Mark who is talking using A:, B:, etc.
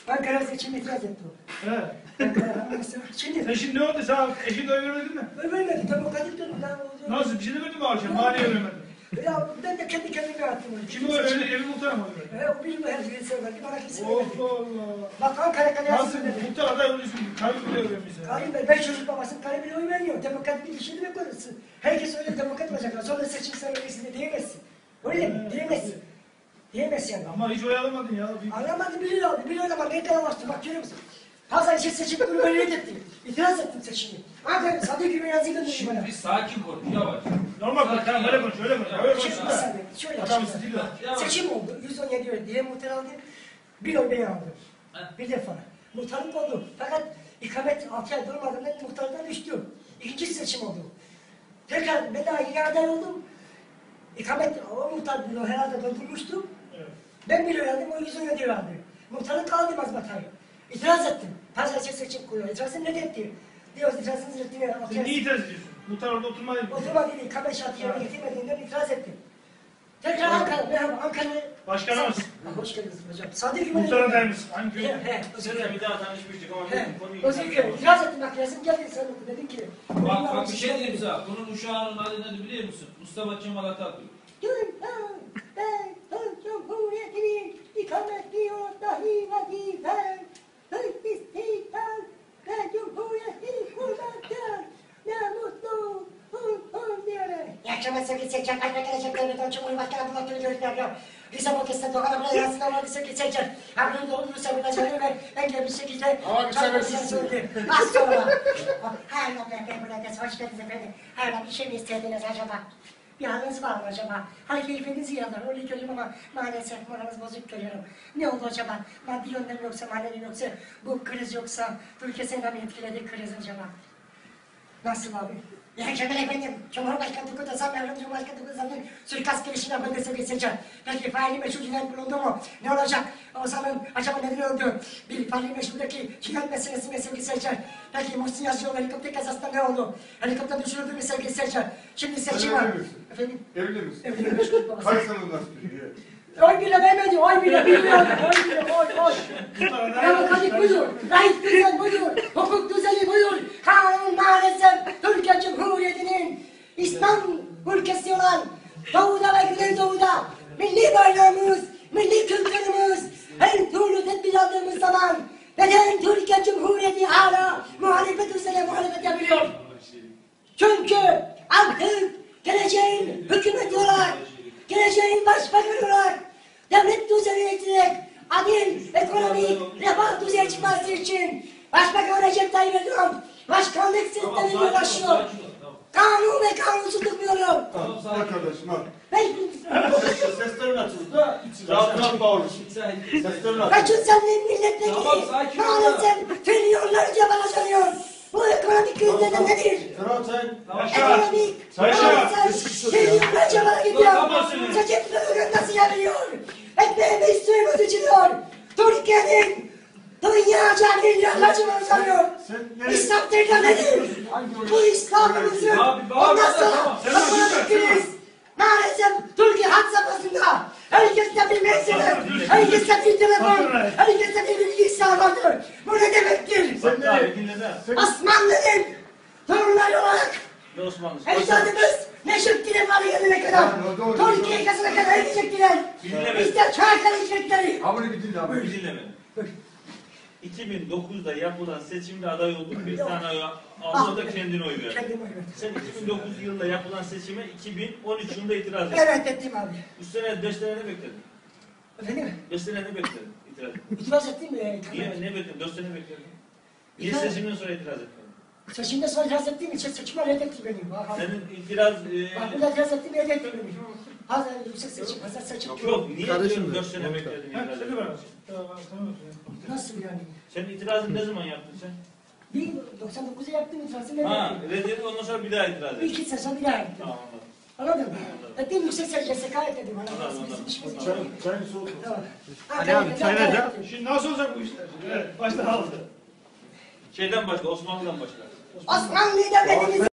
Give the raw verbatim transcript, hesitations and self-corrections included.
A: Ankara seçimine itiraz etti o.
B: He.
A: Ankara mesela. Şimdi.
B: Sen şimdi ne oldu? Sen eşin oy vermedin mi?
A: Öyle vermedi. Demokratik dönüm.
B: Nasıl? Bir şey demedin mi akşam? Mahalleye vermedin.
A: Ya ben de kendi kendime attım.
B: Kim o öyle evi muhtar mı?
A: He o bilmiyor her şeyi söyler. Bana kimse
B: Allah
A: vermedi.
B: Allah.
A: Bak Ankara Kalesi
B: Nasıl?
A: söyledi.
B: Muhtar aday oluyorsun. Kaybı bile öğrenmişsin.
A: Karim Bey, beş çocuk babasının Karim Bey'e oy vermiyor. Demokrat bir işini mi korusun? Herkes öyle demokrat olacaklar. Sonra seçim söylemesini de diyemezsin. Öyle mi? Diyemezsin. Diyemezsin yani.
B: Ama hiç oy alamadın ya. Bir...
A: Anlamadı biliyor abi. Biliyor ama ne kadar bastı. Bak görüyor musun? Pazar için seçim kurulu reddetti. İtiraz ettim seçimi. Ankara Sadık Güven yazıyı gönderdi bana.
C: Şimdi bir sakin konuş, yavaş.
B: Normal konuş. Tamam öyle konuş. Öyle konuş. Öyle konuş.
A: Şimdi bir saniye. Şöyle
B: Adam
A: şimdi.
B: stil var.
A: Seçim oldu. yüz on yedi oy diye muhtar aldı. Bir oy ben aldım. Bir defa. Muhtarlık oldu. Fakat ikamet altı ay durmadan ben muhtardan düştüm. İkinci seçim oldu. Tekrar ben daha yine aday oldum. İkamet o muhtar bunu herhalde doldurmuştum.
B: Evet.
A: Ben bir oy aldım, o yüz on yedi oy aldı. Muhtarlık kaldı mazbatayı. İtiraz ettim. Pazartesi seçim kuruyor. İtirazını ne etti? Diyor itirazınızı reddine.
B: Sen niye itiraz ediyorsun? Muhtar orada oturmayı mı?
A: Oturma dedi, ikamet şartı yerine getirmediğinden itiraz ettim. Tekrar Ankara, merhaba Ankara.
B: Başkanımız.
A: Hoş geldiniz hocam. Sadık Güven'e...
B: Muhtar aday mısın? Hangi köy?
A: He, he.
C: Seninle bir daha tanışmıştık ama
A: He.
C: bu konuyu...
A: O zaman itiraz ettim bak yazım geldi sen oku dedin ki...
C: Bak bak bir şey diyeyim sana. Bunun uşağının adı nedir biliyor musun? Mustafa Kemal Atatürk.
A: Dünya ben Türk Cumhuriyeti'nin ikametli dahi vazife. Türk istiklal ve Cumhuriyeti kurmaktır. Ne mutlu hun hun diyerek. İyi akşamlar sevgili seyirciler. Kalbe gelecek devletten Cumhurbaşkanı Abdullah Gül'ü görüntüler. Bize bu kesite dokana bile yansıdan olan sevgili seyirciler. Haberin doğru sevgilecekleri ve engel bir şekilde...
D: Ama bir sebetsiz
A: söyledi. Az sonra. Hayır ben buradayız. Hoş geldiniz efendim. Hayır bir şey mi istediniz acaba? Bir haliniz var mı acaba? Hani keyfiniz yanar, öyle görüyorum ama maalesef moranız bozuk görüyorum. Ne oldu acaba? Maddi yönden yoksa, manevi yoksa, bu kriz yoksa, ülkesini mi etkiledi kriz acaba? Nasıl abi? İyi akşamlar efendim. Cumhurbaşkanı Turgut Özal, Mevlam Cumhurbaşkanı Turgut Özal'ın suikast girişine ben de sevgili seyirciler. Peki faili meşhur cinayet bulundu mu? Ne olacak? Özal'ın acaba neden öldü? Bir faili meşhurdaki cinayet meselesi mi sevgili seyirciler? Peki Muhsin Yazıcıoğlu helikopter kazasında ne oldu? Helikopter düşürüldü mü sevgili seyirciler? Şimdi seçim var. Efendim?
D: Evli misin?
A: Evli meşhur babası.
D: Kaç sene nasıl?
A: Oy bile vermedi, oy bile bilmiyordu, oy bile, oy, oy. Demokratik budur, layık düzen budur, hukuk düzeni budur. Kanun maalesef Türkiye Cumhuriyeti'nin İslam ülkesi olan Doğu'da ve Güneydoğu'da milli bayrağımız, milli kültürümüz, her türlü tedbir aldığımız zaman neden Türkiye Cumhuriyeti hala muhalefet üzerine muhalefet yapıyor? Çünkü artık geleceğin hükümeti olarak, geleceğin başbakanı olarak devlet düzeni ekleyerek adil, ekonomik, refah düzeye çıkması için Başbakan Recep Tayyip Erdoğan başkanlık sistemine ulaşıyor. Kanun ve kanunsuzluk diyorum.
D: Arkadaşım bak.
E: Seslerin açıldı da rahat rahat bağırıyorsun. Seslerin açıldı.
A: Kaçın senle milletvekili
C: Tamam, sakin ol.
A: maalesef trilyonlarca bağlanıyor. Bu ekonomik krizde nedir?
E: Tamam sen.
A: Ekonomik, maalesef trilyonlarca bana gidiyor. Seçimleri nasıl yapıyor? Ekmeğimiz suyumuz içiliyor. Türkiye'nin dünyaca milyonlarca bağlanıyor. İslam tekrar nedir? Bu İslam'ımızın ondan sonra ekonomik kriz. Maalesef Türkiye had safhasında herkeste bir mesele, herkeste bir telefon, herkeste bir bilgisayar vardır. Bu ne demektir?
E: Sen nereye dinledin?
A: Osmanlı'nın torunları olarak
E: Ne Osmanlı?
A: ecdadımız Neşettin'e var yerine kadar, Türkiye yakasına kadar gidecektiler. Biz de Çanakkale gidecekleri.
D: Abone bir dinle abi.
E: Bir dinleme. iki bin dokuzda yapılan seçimde aday oldun, bir tane oy aldı da kendine oy verdin.
A: Kendim oy verdim.
E: Sen iki bin dokuz yılında yapılan seçime iki bin on üç yılında itiraz ettin.
A: Evet ettim abi.
E: üç sene, beş sene ne bekledin?
A: Efendim?
E: beş sene ne bekledin itiraz ettin?
A: İtiraz ettim mi?
E: Niye, ne bekledin? dört sene bekledin. Niye
A: İtiraz-
E: seçimden sonra itiraz etmedin?
A: Seçimde sonra itiraz ettiğim için seçime reddetti beni. Bak,
E: Senin itiraz... E,
A: bak burada itiraz ettim reddetti beni. Hazır yüksek seçim, hazır seçim.
E: yok, niye
D: Kardeşim
E: dört sene bekledin
B: Ha,
E: itiraz
B: seni ver.
E: etmedin?
A: Nasıl yani?
E: Senin itirazını ne zaman yaptın sen?
A: Bir doksan dokuzda yaptım itirazı
E: Ha,
A: reddetti.
E: reddetti ondan sonra bir daha itiraz ettin.
A: İki sezon bir daha yaptım.
E: Tamam anladım.
A: Anladın mı? Ettiğim yüksek seçim, sekaret dedim.
E: Anladım,
A: Anladın mı? Bizim
E: anladım.
A: işimiz için.
E: Çay, çayını soğut.
A: Tamam.
B: Ali abi, çay ver ya. Şimdi nasıl olacak bu işler? Evet, başta aldı.
E: Şeyden başla, Osmanlı'dan başla.
A: Osmanlı devletimiz